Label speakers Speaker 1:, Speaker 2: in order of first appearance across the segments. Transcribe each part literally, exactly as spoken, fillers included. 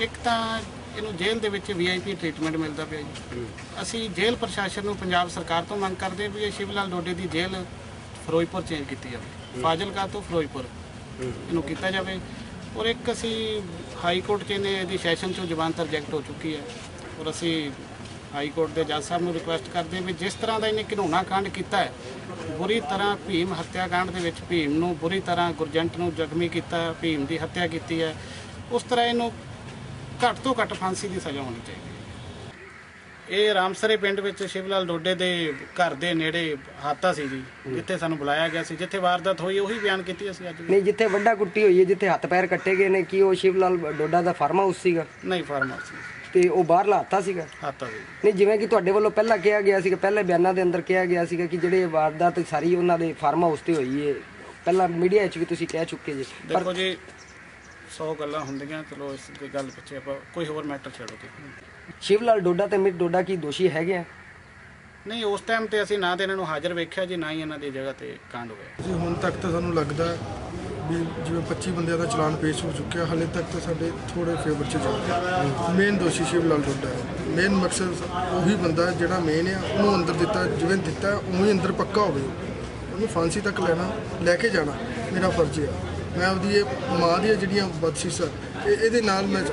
Speaker 1: ਇੱਕ ਤਾਂ ਇਹਨੂੰ ਜੇਲ੍ਹ ਦੇ ਵਿੱਚ ਵੀ ਆਈ ਪੀ ਟ੍ਰੀਟਮੈਂਟ ਮਿਲਦਾ ਪਿਆ ਜੀ। ਅਸੀਂ ਜੇਲ੍ਹ ਪ੍ਰਸ਼ਾਸਨ ਨੂੰ ਪੰਜਾਬ ਸਰਕਾਰ ਤੋਂ ਮੰਗ ਕਰਦੇ ਵੀ ਇਹ ਸ਼ਿਵ ਲਾਲ ਡੋਡੇ ਦੀ ਜੇਲ੍ਹ ਫਿਰੋਜ਼ਪੁਰ ਚੇਂਜ ਕੀਤੀ ਜਾਵੇ, ਫਾਜ਼ਿਲਕਾ ਤੋਂ ਫਿਰੋਜ਼ਪੁਰ ਇਹਨੂੰ ਕੀਤਾ ਜਾਵੇ। ਔਰ ਇੱਕ ਅਸੀਂ ਹਾਈ ਕੋਰਟ 'ਚ ਇਹਨੇ ਇਹਦੀ ਸੈਸ਼ਨ 'ਚੋਂ ਜ਼ਮਾਨਤ ਰਿਜੈਕਟ ਹੋ ਚੁੱਕੀ ਹੈ ਔਰ ਅਸੀਂ ਹਾਈ ਕੋਰਟ ਦੇ ਜੱਜ ਸਾਹਿਬ ਨੂੰ ਰਿਕੁਐਸਟ ਕਰਦੇ ਵੀ ਜਿਸ ਤਰ੍ਹਾਂ ਦਾ ਇਹਨੇ ਘਿਨੌਣਾ ਕਾਂਡ ਕੀਤਾ ਹੈ, ਬੁਰੀ ਤਰ੍ਹਾਂ ਭੀਮ ਹੱਤਿਆ ਕਾਂਡ ਦੇ ਵਿੱਚ ਭੀਮ ਨੂੰ ਬੁਰੀ ਤਰ੍ਹਾਂ ਗੁਰਜੰਟ ਨੂੰ ਜ਼ਖਮੀ ਕੀਤਾ, ਭੀਮ ਦੀ ਹੱਤਿਆ ਕੀਤੀ ਹੈ, ਉਸ ਤਰ੍ਹਾਂ ਇਹਨੂੰ ਘੱਟ ਤੋਂ ਘੱਟ ਫਾਂਸੀ ਦੀ ਸਜ਼ਾ ਹੋਣੀ ਚਾਹੀਦੀ ਹੈ। ਇਹ ਰਾਮਸਰੇ ਪਿੰਡ ਵਿੱਚ ਸ਼ਿਵ ਲਾਲ ਡੋਡੇ ਦੇ ਘਰ ਦੇ ਨੇੜੇ ਹਾਦਸਾ ਸੀ ਜੀ, ਜਿੱਥੇ ਸਾਨੂੰ ਬੁਲਾਇਆ ਗਿਆ ਸੀ, ਜਿੱਥੇ ਵਾਰਦਾਤ ਹੋਈ ਉਹੀ ਬਿਆਨ ਕੀਤੀ ਅਸੀਂ ਅੱਜ।
Speaker 2: ਨਹੀਂ, ਜਿੱਥੇ ਵੱਡਾ ਕੁੱਟੀ ਹੋਈ ਹੈ, ਜਿੱਥੇ ਹੱਥ ਪੈਰ ਕੱਟੇ ਗਏ ਨੇ, ਕੀ ਉਹ ਸ਼ਿਵ ਲਾਲ ਡੋਡਾ ਦਾ ਫਾਰਮ ਹਾਊਸ ਸੀਗਾ?
Speaker 1: ਨਹੀਂ, ਫਾਰਮ ਹਾਊਸ ਸੀ।
Speaker 2: ਤੇ ਉਹ ਬਾਹਰਲਾ ਹਾਦਸਾ ਸੀਗਾ?
Speaker 1: ਹਾਦਸਾ ਸੀ।
Speaker 2: ਨਹੀਂ, ਜਿਵੇਂ ਕਿ ਤੁਹਾਡੇ ਵੱਲੋਂ ਪਹਿਲਾਂ ਕਿਹਾ ਗਿਆ ਸੀਗਾ, ਪਹਿਲੇ ਬਿਆਨਾਂ ਦੇ ਅੰਦਰ ਕਿਹਾ ਗਿਆ ਸੀਗਾ ਕਿ ਜਿਹੜੇ ਵਾਰਦਾਤ ਸਾਰੀ ਉਹਨਾਂ ਦੇ ਫਾਰਮ ਹਾਊਸ ਤੇ ਹੋਈ ਹੈ, ਪਹਿਲਾਂ ਮੀਡੀਆ 'ਚ ਵੀ ਤੁਸੀਂ ਕਹਿ ਚੁੱਕੇ ਜੀ।
Speaker 1: ਦੇਖੋ ਜੀ, ਸੌ ਗੱਲਾਂ ਹੁੰਦੀਆਂ, ਚਲੋ ਇਸ ਦੀ ਗੱਲ ਪਿੱਛੇ ਆਪਾਂ ਕੋਈ ਹੋਰ ਮੈਟਰ ਛੱਡੋ ਤੇ।
Speaker 2: ਸ਼ਿਵ ਲਾਲ ਡੋਡਾ ਤੇ ਮਿਤ ਡੋਡਾ ਕੀ ਦੋਸ਼ੀ ਹੈਗੇ ਆ?
Speaker 1: ਨਹੀਂ, ਉਸ ਟਾਈਮ ਤੇ ਅਸੀਂ ਨਾ ਤੇ ਇਹਨਾਂ ਨੂੰ ਹਾਜ਼ਰ ਵੇਖਿਆ ਜੀ, ਨਾ ਹੀ ਇਹਨਾਂ ਦੀ ਜਗ੍ਹਾ ਤੇ ਕਾਂਡ ਹੋਇਆ
Speaker 3: ਜੀ। ਹੁਣ ਤੱਕ ਤਾਂ ਸਾਨੂੰ ਲੱਗਦਾ ਵੀ ਜਿਵੇਂ ਪੱਚੀ ਬੰਦਿਆਂ ਦਾ ਚਲਾਨ ਪੇਸ਼ ਹੋ ਚੁੱਕਿਆ, ਹਾਲੇ ਤੱਕ ਤਾਂ ਸਾਡੇ ਥੋੜੇ ਫੇਵਰ 'ਚ ਚੱਲਦਾ। ਮੇਨ ਦੋਸ਼ੀ ਸ਼ਿਵ ਲਾਲ ਡੋਡਾ ਹੈ। ਮੇਨ ਮਕਸਦ ਉਹੀ ਬੰਦਾ ਜਿਹੜਾ ਮੇਨ ਆ, ਉਹਨੂੰ ਅੰਦਰ ਦਿੱਤਾ, ਜਿਵੇਂ ਦਿੱਤਾ ਉਵੇਂ ਅੰਦਰ ਪੱਕਾ ਹੋਵੇ, ਉਹਨੂੰ ਫਾਂਸੀ ਤੱਕ ਲੈਣਾ, ਲੈ ਕੇ ਜਾਣਾ ਮੇਰਾ ਫਰਜ਼ ਆ। ਮੈਂ ਉਹਦੀ ਇਹ ਮਾਂ ਦੀਆਂ ਜਿਹੜੀਆਂ ਬਦਸ਼ੀਸ਼ਾਂ ਇਹ ਇਹਦੇ ਨਾਲ ਮੈਂ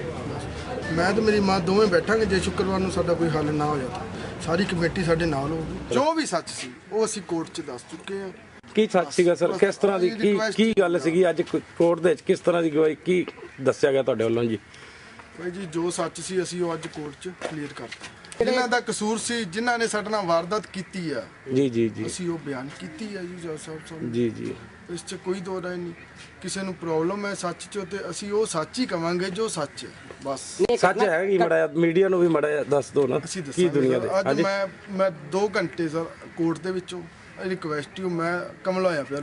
Speaker 3: ਮੈਂ ਤੇ ਮੇਰੀ ਮਾਂ ਦੋਵੇਂ ਬੈਠਾਂਗੇ। ਜੇ ਸ਼ੁੱਕਰਵਾਰ ਨੂੰ ਸਾਡਾ ਕੋਈ ਹੱਲ ਨਾ ਹੋਇਆ ਤਾਂ ਸਾਰੀ ਕਮੇਟੀ ਸਾਡੇ ਨਾਲ ਹੋਊਗੀ। ਜੋ ਵੀ ਸੱਚ ਸੀ ਉਹ ਅਸੀਂ ਕੋਰਟ 'ਚ ਦੱਸ ਚੁੱਕੇ ਹਾਂ।
Speaker 4: ਕੀ ਸੱਚ ਸੀਗਾ ਸਰ? ਕਿਸ ਤਰ੍ਹਾਂ ਦੀ ਕੀ ਕੀ ਗੱਲ ਸੀਗੀ ਅੱਜ ਕੋਰਟ ਦੇ ਵਿੱਚ? ਕਿਸ ਤਰ੍ਹਾਂ ਦੀ ਗਵਾਹੀ ਕੀ ਦੱਸਿਆ ਗਿਆ ਤੁਹਾਡੇ ਵੱਲੋਂ ਜੀ?
Speaker 3: ਭਾਈ ਜੀ, ਜੋ ਸੱਚ ਸੀ ਅਸੀਂ ਉਹ ਅੱਜ ਕੋਰਟ 'ਚ ਕਲੀਅਰ ਕਰਤਾ। ਜਿਨ੍ਹਾਂ ਦਾ ਕਸੂਰ ਸੀ, ਜਿਨ੍ਹਾਂ ਨੇ ਸਾਡੇ ਨਾਲ ਵਾਰਦਾਤ ਕੀਤੀ ਆ,
Speaker 4: ਜੀ ਜੀ ਜੀ
Speaker 3: ਅਸੀਂ ਉਹ ਬਿਆਨ ਕੀਤੀ ਆ ਜੀ ਜੱਜ ਸਾਹਿਬ ਸਾਹਿਬ।
Speaker 4: ਜੀ ਜੀ
Speaker 3: ਇਸ 'ਚ ਕੋਈ ਦੋ ਰਾਏ ਨਹੀਂ। ਕਿਸੇ ਨੂੰ ਪ੍ਰੋਬਲਮ ਹੈ ਸੱਚ 'ਚ ਤੇ ਅਸੀਂ ਉਹ ਸੱਚ ਹੀ ਕਵਾਂਗੇ ਜੋ ਸੱਚ ਹੈ, ਬਸ।
Speaker 4: ਸੱਚ ਹੈ ਕਿ ਮੜਾ ਮੀਡੀਆ ਨੂੰ ਵੀ ਮੜਾ ਦੱਸ ਦਿਓ ਨਾ
Speaker 3: ਅਸੀਂ
Speaker 4: ਕੀ ਦੁਨੀਆ ਦੇ।
Speaker 3: ਅੱਜ ਮੈਂ ਮੈਂ ਦੋ ਘੰਟੇ ਸਰ ਕੋਰਟ ਦੇ ਵਿੱਚੋਂ ਰਿਕੁਐਸਟ ਹੀ ਮੈਂ ਕਮਲਾ ਹੋਇਆ ਪਿਆ।